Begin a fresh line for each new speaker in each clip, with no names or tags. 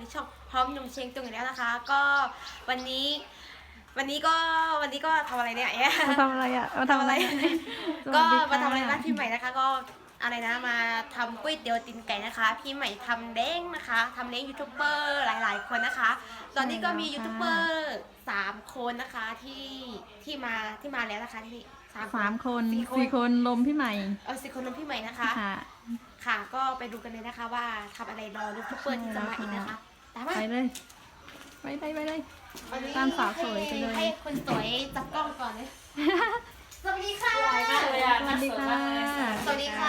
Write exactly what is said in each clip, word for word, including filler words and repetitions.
ช่องพร้อมหนุ่มเชียงตุงอีกแล้วนะคะ ก็วันนี้วันนี้ก็วันนี้ก็ทำอะไรเนี่ย
มาทำอะไรอ่ะมาทำอะไร
ก็มาทำอะไรบ้านพี่ใหม่นะคะ ก็อะไรนะมาทำก๋วยเตี๋ยวตีนไก่นะคะพี่ใหม่ทำเล้งนะคะทำเล้งยูทูบเบอร์หลายๆคนนะคะ ตอนนี้ก็มียูทูบเบอร์สามคนนะคะที่ที่มาที่มาแล้วนะคะที่
สามคนสี่คนลมพี่ใหม่
เออสี่คนลมพี่ใหม่นะคะค่ะก็ไปดูกันเลยนะคะว่าทำอะไรรอยูทูบเบอร์ที่จะมาอีกนะคะตามมา
ไปเลยไปไปไปเลยตามสาวสวยไปเลย
ให้คนสวยจับกล้องก่อนเลยสวัสดีค่ะสวั
สดีค่ะ
สวัสดีค่ะ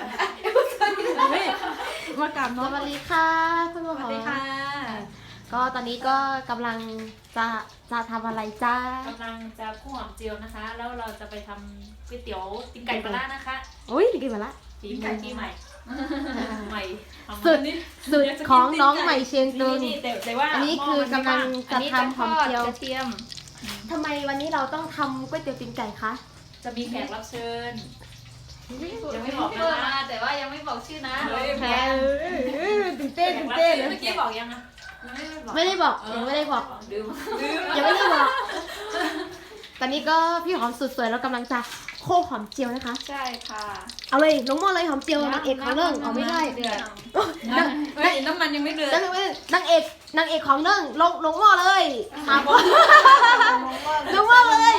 มากราบน้อง
สวัสดีค่ะคุณผู้ชมสวัสดีค่ะก็ตอนนี้ก็กำลังจะจะทำอะไรจ้าก
ำลังจะคั่วหอมเจียวนะคะ แล้วเราจะไปทำก๋วยเตี๋ยวตีนไก่ปลาร้านะคะ
อุ้ยตีนไก่ปลาร้า
ตีนไก่ที่ใหม่ใหม่
สุดสุดของน้องใหม่เชียงตุง
อั
นนี้คือกำลังจะทำหอมเจียว
กระเทียม
ทำไมวันนี้เราต้องทำก๋วยเตี๋ยวตีนไก่คะ
จะมีแขกรับเชิญยังไม่บอกนะแต่ว่ายังไม่บอกชื่อนะ
แขกตื่นเต้นตื่นเต้น
เมื่อกี้บอกยังอะ
ไม่ได้บอกยังไม่ได้บอกยังไม่ได้บอกตอนนี้ก็พี่หอมสุดสวยแล้วกำลังจะโคหอมเจียวนะคะ
ใช่ค่ะ
เอาเลยลงหม้อเลยหอมเจียวนางเอกของเรื่องเอาไม่ได้
เดือดน้ำมันยังไม่เดือด
นางเอกนางเอกของเรื่องลงลงหม้อเลยมาบลงหม้อเลย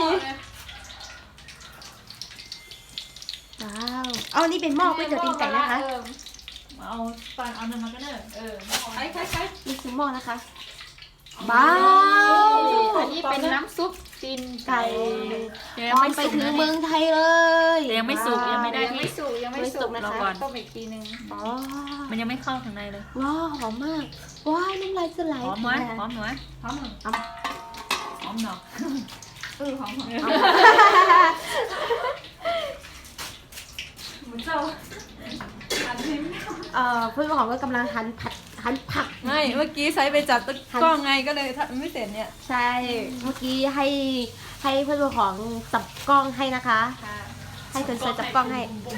ว้าวเอานี่เป็นหม้อก๋วยเตี๋ยวตีนไก่นะคะ
เอาปานเอาน้ำมันก็ได้เออใช่ใช่ใช่
นี่คือหม้อนะคะว้าว
อันนี้เป็นน้ำซุปตีนไก่
ยังไม่ไปถึงเมืองไทยเลย
ยังไม่สุกยังไม่ได้
ยังไม่สุกยังไม่สุกนะคะ
ต้มอีกทีนึง
อ๋อ
มันยังไม่เข้าข้างในเลย
ว้าวหอมมากว้าวน้ำลายจะไหล
หอมไหมหอมไหมหอมหอมหอมเนาะเออหอมหอมเหมือนเจ้า
เอ่อเพื่อนของก็กำลังหั่นผัดหั่นผัก
ไม่เมื่อกี้ใช้ไปจับตะกล้องไงก็เลยทำไม่เสร็จเนี่ย
ใช่เมื่อกี้ให้ให้เพื่อนของจับกล้องให้นะคะให้คนสวยจับกล้องให้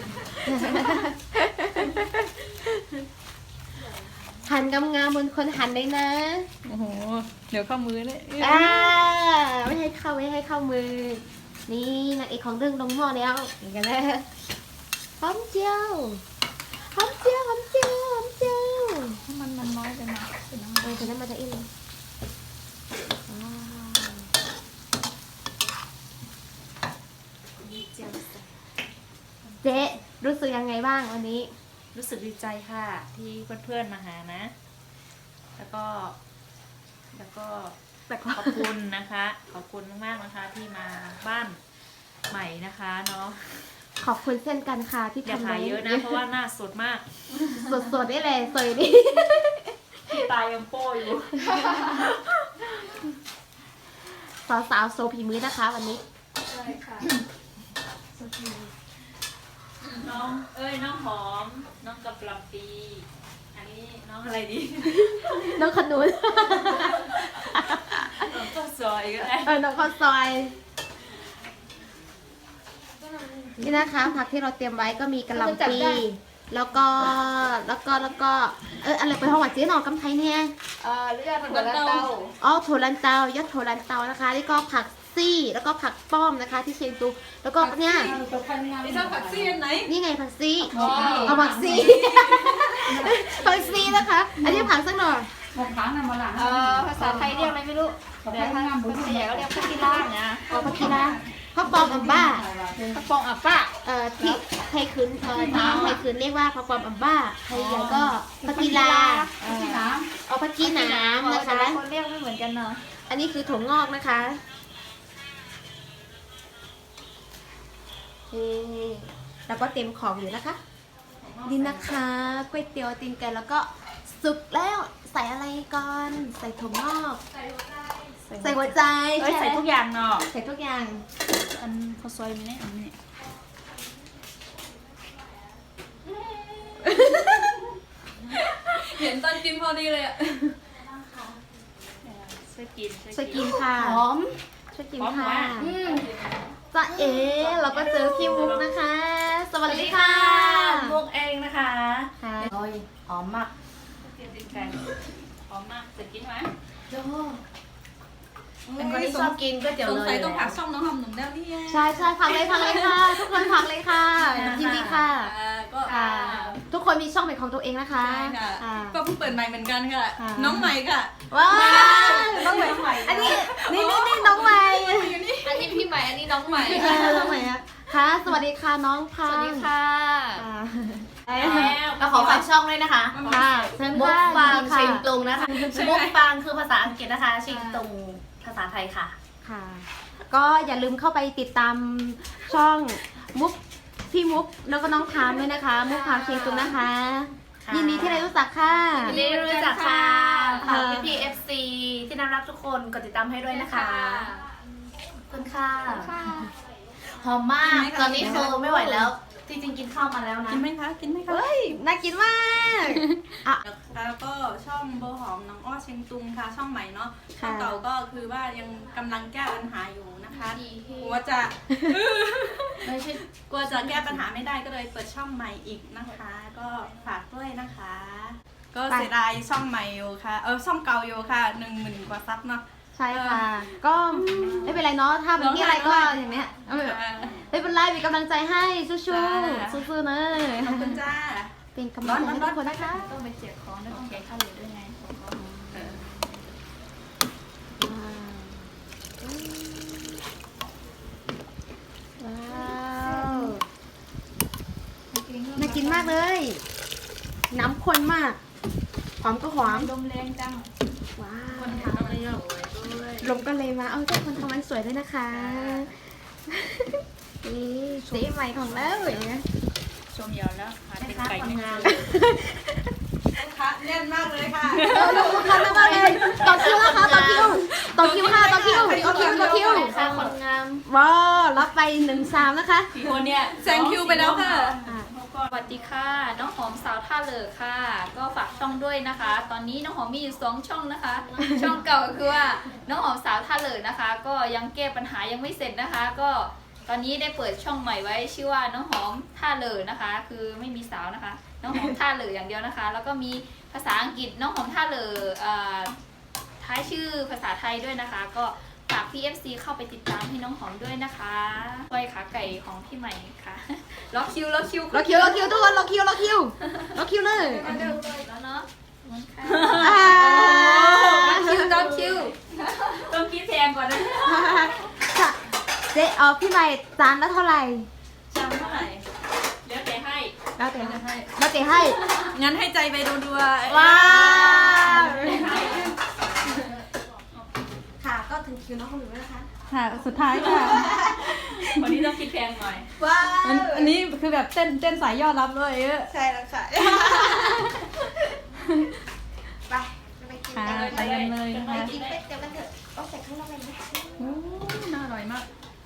หั่นงามๆบนคนหั่นเลยนะ
โอ้โหเดี๋ยวเข้ามือเลย
อ่าไม่ให้เข้าไม่ให้เข้ามือนี่นางเอกของเรื่องลงหม้อแล้วอย่างกันนะหอมเจียวหอมเจียวหอมเจียวหอมเจียว
มันมันน้อยไปนะ
เป็นน้ำมันเป็นน้ำมันจะอิ่มเจ๊รู้สึกยังไงบ้างวันนี้
รู้สึกดีใจค่ะที่เพื่อนๆมาหานะแล้วก็แล้วก็ขอบคุณนะคะขอบคุณมากๆนะคะที่มาบ้านใหม่นะคะเนาะ
ขอบคุณเช่นกันค่ะที่
ทำอะไรเยอะนะเพราะว่าหน้าสดมาก
สดสดได้เลยสวยดิ
ที่ตายยังโป้อยู่
สาวสาวโซพีมือนะคะวันนี้
ใช่ค่ะน้องเอ้ยน้องหอมน้องกำลังปีอันนี้น้องอะไรดี
น้องขนุน
น้องข้าวซอยก็ได้
เออน้องข้าวซอยนี่นะคะผักที่เราเตรียมไว้ก็มีกะหล่ำปีแล้วก็แล้วก็แล้วก็เอออะไรไปห้องวัดเจ๊หนอกำไทยเนี่ย
เออเลือดถั่วลันเตา
อ๋อถั่วลันเตายอดถั่วลันเตานะคะนี่ก็ผักซี่แล้วก็ผักป้อมนะคะที่เชียงตุงแล้วก็เนี่ย
นี่ชอบผักซี่ไหน
นี่ไงผักซี่เอาผักซี่ผักซี่นะคะอันนี้ผักสักหน่อย
ผักค้างนำมาหลัง
เออภาษาไทยเรียกอะไรไม่รู้เดี๋ยวภาษาใหญ่ก็เรียกผักกีฬาเนี่ย
อ๋อผักกีฬาผักปอมอัมบ้า
ผักปองอัมบ้า
เอ่อที่ไทยคืนเอ่อที่ไทยคืนเรียกว่าผักปอมอัมบ้าไทยใหญ่ก็ผักกีฬาเอาผักกีน้ำนะคะ
คนเรียกไม่เหมือนกันเนาะ
อันนี้คือถั่วงอกนะคะนี่แล้วก็เต็มของอยู่นะคะนี่นะคะก๋วยเตี๋ยวตีนไก่แล้วก็สุกแล้วใส่อะไรก่อนใส่ถั่วงอกใส่หัวใจ
ใส่ทุกอย่างเนาะ
ใส่ทุกอย่าง
อันข้าวซอยมีเนี่ยอันนี้
เห็นตอนกินพอดีเลยอ่ะ
ช่วยกิน
ช่วยกินค่ะ
หอม
ช่วยกินค่ะจ้าเอ๋เราก็เจอพี่มุกนะคะสวัสดีค่ะ
มุกเองนะคะ
ค่ะ
โอ้ยหอมมาก
ห
อมมากเสร็จกินไหม
โยเป็นคนที่ชอบกินก๋วยเตี๋ยว
สง
เลย
สัยต้องผักช่องน้องหอมหนุ่มแน่นี่
ใช่ใช่พักเลยพักเลยค่ะ ทุกคนพักเลยค่ะยินดีค่ะ
ก็
อ่าทุกคนมีช่องเป็นของตัวเองนะคะ
ใช่ค่ะ
อ่า
ก็เพิ่งเปิดใหม่เหมือนกันค่ะ
ค่ะ
น้องใหม่ค่ะ
ว้าวน้องใหม่อันนี้นี่นี่นี่น้องใหม่
อันนี้พี่ใหม่ อันนี้น้องใหม่
เออน้องใหม่อะค่ะสวัสดีค่ะน้องพั
ส
ง
วัสดีค่ะ
อ่า
ก็ขอฝากช่องด้วยนะคะ
ค่ะเชิญ
มุก
ค่ะ
ฟาง
ยินดีค่ะ
ชิงตุงนะคะมุกฟางคือภาษาอังกฤษนะคะ ชิงตุงภาษาไทยค่ะ
ค่ะ ก็อย่าลืมเข้าไปติดตามช่องมุกพี่มุกแล้วก็น้องพามด้วยนะคะ มุกพามเชียงตุงนะคะ
ค่ะ
ยินดีที่ได้รู้จักค่ะ
ยินดีที่รู้จักค่ะ
ค่ะ
ฝากพี่พีเอฟซีที่น่ารักทุกคนกดติดตามให้ด้วยนะคะขอบคุณค่ะหอมมาก ตอนนี้คือไม่ไหวแล้ว จริงๆกินข้าวมาแล้วนะ
กินไหมคะ กินไหมคะ
เฮ้ย น่ากินมากอ่ะ
แล้วก็ช่องโบหอมน้องอ้อเชียงตุงค่ะ ช่องใหม่เนาะ ช่
ค่ะ
องเก่าก็คือว่ายังกำลังแก้ปัญหาอยู่นะคะกลัวจะ
ไม่ใช่
กลัวจะแก้ปัญหาไม่ได้ก็เลยเปิดช่องใหม่อีกนะคะ ก็ฝากด้วยนะคะ ก็เสียดายช่องใหม่อยู่ค่ะ เออช่องเก่าอยู่ค่ะหนึ่งหมื่นกว่าซับเนาะ
ใช่ค่ะ ก็ไม่เป็นไรเนาะ ถ้าแบบนี้อะไรก็อย่างเนี้ยเอาแบบ
อ่า
ไม่เป็นไรมีกำลังใจให้สู้
จ้า
ๆสู้ๆเลย
ขอบคุณจ้า
เป็นกำลังใจให้ทุกคนนะคะ
ต้องไปเสียบของด้วยต้องแกะข้าวเหลือด้วยไง
ว้าวน่ากินมากเลย น้ำข้นมาก หอมก็หอม
ลมแรงจัง
ว้า
คน
ว
ทำอะไรอ่ะด้วย
ลมก็เลยมา เอาเจ้าคนทำมันสวยด้วยนะคะ นี่สีใหม่ของเราอย่างเงี้ย
ชมยาวแล้วหาเป็นไก่ไม่งาม
ค่ะแน่นมากเลยค่ะ
ลูกค้ามากเลยต่อคิวนะคะต่อคิวต่อคิวค่ะต่อคิวต่อคิวต่อคิว
ค่ะคนงาม
ว้าวรับไปหนึ่งสามนะคะ
สี่คนเนี่ย
แซงคิวไปแล้วค่ะ
อ่ะ
สวัสดีค่ะ น้องหอมสาวท่าเหลือค่ะ ก็ฝากช่องด้วยนะคะ ตอนนี้น้องหอมมีอยู่สองช่องนะคะ ช่องเก่าก็คือว่าน้องหอมสาวท่าเหลือนะคะ ก็ยังแก้ปัญหายังไม่เสร็จนะคะ ก็ตอนนี้ได้เปิดช่องใหม่ไว้ชื่อว่าน้องหอมท่าเหลือนะคะ คือไม่มีสาวนะคะ น้องหอมท่าเหลืออย่างเดียวนะคะ แล้วก็มีภาษาอังกฤษน้องหอมท่าเหลือเอ่อท้ายชื่อภาษาไทยด้วยนะคะ ก็ฝากพี่ เอฟ ซี เข้าไปติดตามให้น้องหอมด้วยนะคะซอยขาไก่ของพี่ใหม่ค่ะ รอคิวรอคิว
รอคิวรอคิวทุกคนรอคิวรอคิวรอคิวเลย
แล้วเนาะ
อ่า
คิวต้องคิวต้องคิดแพงกว่านะ
ค่ะเจ๊เออพี่ใหม่จานละเท่าไหร่
จำเท่าไหร่
แล้วแต่ให้
แล้วแต่ให้แล้วแต่ให้
งั้นให้ใจไปดูดู
ว้าวค่ะก็ถึงคิวน้องคนหนึ่งแล้วนะคะ
ค่ะ สุดท้ายค่ะ
วันนี้ต้องคิดแพงหน่อย
ว้า
อันอันนี้คือแบบเต้นเต้นสายยอดรับเลยเออ
ใช่แล้วค่ะไปไปกิน
ค่ะ
กันเลย
ไปกันเลย
ไป
นะคะ
กินเป็ดเดี๋ยวกันเถอะต้องใส่ข้างนอกเลยนะ
โอ้น่าอร่อยมาก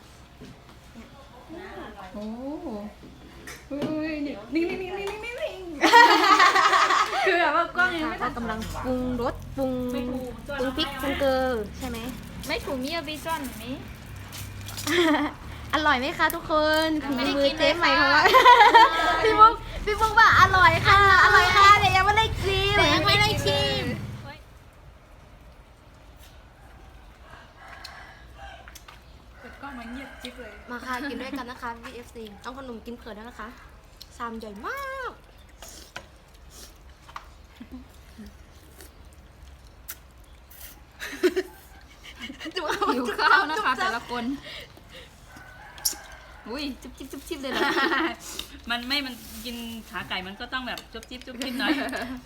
โอ้อุ้ยนี่นี่นี่นี่นี่นี่นี่คือแบบว่ากล้องยังไม่
ก็
ทัน
กำลังปรุงรสปรุงปรุงพริกปรุงเกลือใช่ไหม
ไม่ถูกมีอบิซอนนี้
อร่อยไหมคะทุกคนฝี
ไม่ได้
มื
กิ
อน เจ๊ใหม่
เลย
ของ
ค่ะ
เราพี่มุกพี่มุกว่าอร่อยค่ะ อร่อยค่ะแต่ยังไม่ได้ชิม
แต่ยังไม่ได้ชิม
เปิดกล้องมาเงียบจิ๊บเลย
มาค่ะกินด้วยกันนะคะ วี เอฟ ซี ต้องขนมกินเผื่อด้วยนะคะชามใหญ่มากจุ๊บ
หิวข้าวนะคะแต่ละคน อุ้ยจุ๊บจิ๊บจุ๊บจิ๊บเลยเหรอ
มันไม่มันกินขาไก่มันก็ต้องแบบจุ๊บจิ๊บจุ๊บจิ๊บหน่อย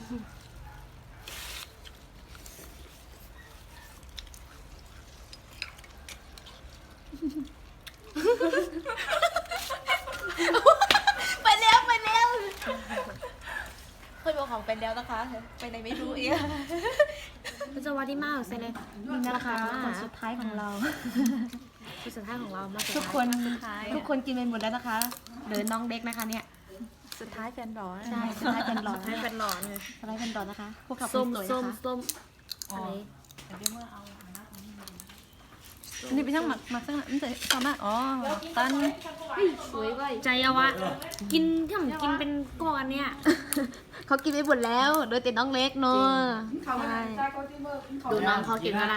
ไปแล้วไปแล้วเคยบอกของไปแล้วนะคะไปไหนไม่รู้อีกคุณจะว่าดีมากใช่เลยนี่นะคะคนสุดท้ายของเราคนสุดท้ายของเรามา
ทุกคน
ทุกคนกินไปหมดแล้วนะคะเหลือน้องเด็กนะคะเนี่ย
สุดท้ายแฟนร้อน
ใช่สุดท้ายเป็นหลอด
ให้เป็นร้อนเลย
สุดท้ายเป็นหลอดนะคะพวกขับ
ส้ม
สวย
ส้ม
นะคะ
ส้ม
อันนี้
เดี๋ยวเมื่อเอา
ส
อันนี้เป็นช่างหมักหมักช่างมันจะสามารถอ๋อตัน
สวยว่ะใจเอาวะ กินถ้าผมกินเป็นก้อนเนี่ย
เขากินไปหมดแล้ว โดยแต่น้องเล็กเนาะใช่
ดูน้องเขากินก็ได้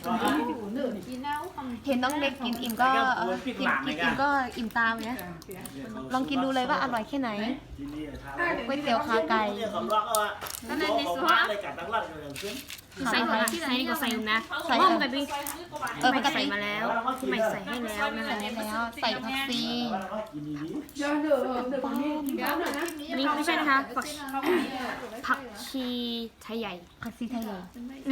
เห็นน้องเล็กกินอิ่มก็กินกินอิ่มก็อิ่มตามเนี่ยลองกินดูเลยว่าอร่อยแค่ไหนก๋วยเตี๋ยวขาไก่
นั่นในในส่วนใส่หัวใส่ก็ใส่นะห้องแบบนี้
เออ
ไม่
ปก
ใส่
ติ
มาแล้วพี่ใหม่ใส่ให้แล้วนะคะ
ใส่แล้วใส่ผักซี
นี่ไม่ใช่นะคะผักผักชีไทยใหญ่
ผักซีไทยเลย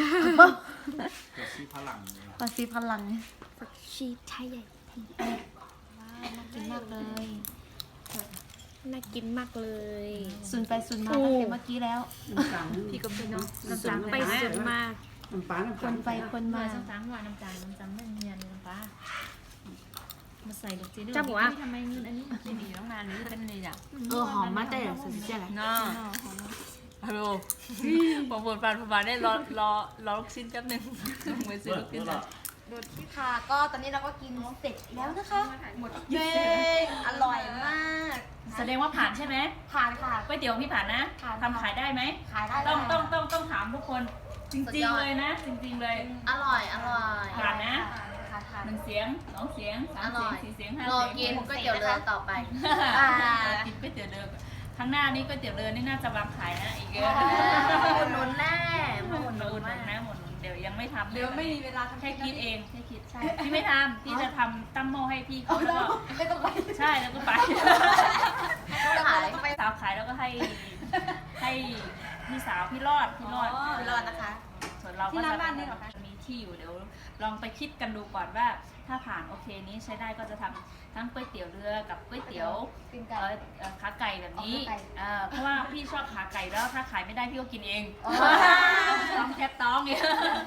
ผักซีพลัง
ผักชีไทยใหญ่
กินมากเลย
น่ากินมากเลย
สุนไปสุนมาตั้งแต่เมื่อกี้แล้ว
พี่ก็เป็นเนาะสุดไปสุดมา
คนไปคนมา
น้ำตาลหวานน้ำตาลน้ำตาลไม่เนียนน้ำปลามาใส่ลูกจีน
จะบอกว่า
ทำไมอันนี้จีดีต้องนานนี้เป็นนี่อ่ะ
เออหอมมากแต่สุดเจ๋งเลย
เนาะฮัลโหลผมปวดฟันผมมาได้รอรอรอลูกชิ้นแป๊บนึงมือซื้อลูกชิ้น
ค่ะก็ตอนนี้เราก็กินเสร็จแล้วนะคะหมดเย้อร่อยมาก
แสดงว่าผ่านใช่ไหม
ผ่านค่ะ
ก๋วยเตี๋ยวพี่ผ่านนะ
ผ่าน
ทำขายได้ไหม
ขายได้
ต้อง
ค่ะ
ต้องต้องต้องถามทุกคนจริงๆเลยนะ จริงๆเลย
อร่อยอร่อย
ผ่านนะ
ค่ะค่ะ
หนึ่งเสียงสองเสียงสาม
อ
เสี
ร่
ย
อง ย
สี่เสียงห้าร
อ
เสียง
กินก๋วยเตี๋ยวเรือต่อไป
อ่ากินก๋วยเตี๋ยวเรือข้างหน้านี้ก๋วยเตี๋ยวเรือนี่น่าจะวางขายนะอีกเยอะ
หมุนนุนแน่หมุน
หมุน
นุ
หนุ
น
น
แน่
นะหมุนหนุนเดี๋ยวยังไม่ทำ
เดี๋ยวไม่มีเวลาทำ
แค่คิดเองแค่คิดใช่พี่ไม่ทำพี่จะทำตั้มหม้อให้พี่เขาแล้วก็
ไม่ต้องไป
ใช่แล้วก็ไป
ขาย
สาวขายแล้วก็ให้ให้พี่สาวพี่รอดพี่รอด
ไม่รอดนะคะ
ส่วนเราก็จะมีที่อยู่เดี๋ยวลองไปคิดกันดูก่อนว่าถ้าผ่านโอเคนี้ใช้ได้ก็จะทำทั้งก๋วยเตี๋ยวเรือกับก๋วยเตี๋ยว
กิน
เอ่
ไก่
อเอ่อขาไก่แบบนี้
อ๋อขาไก่
เอ่อเพราะว่าพี่ชอบขาไก่แล้วถ้าขายไม่ได้พี่ก็กินเอง
อ๋อ
ต้องแทบต้องเนี่ย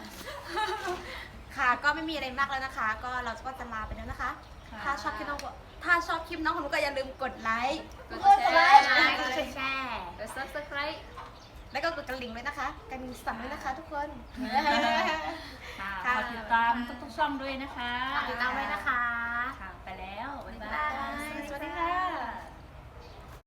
ค่ะก็ไม่มีอะไรมากแล้วนะคะ ก็เราก็จะลาไปแล้วนะคะ ถ้าชอบคลิปน้องถ้าชอบคลิปน้องของหนูก็อย่าลืมกดไลค์
กด
กด
แช
ไล
ร์
ค์
กดแชร์กด subscribe
แล้วก็กดกระดิ่งด้วยนะคะกระดิ่งสั่นด้วยนะคะทุกคน
ค่ะขอติดตามทุกๆช่องด้วยนะคะ
ติดตามไว้นะคะ
ค่ะไปแล้ว บ๊าย
บ๊าย
บา
บาย ยสวัสดีค่ะ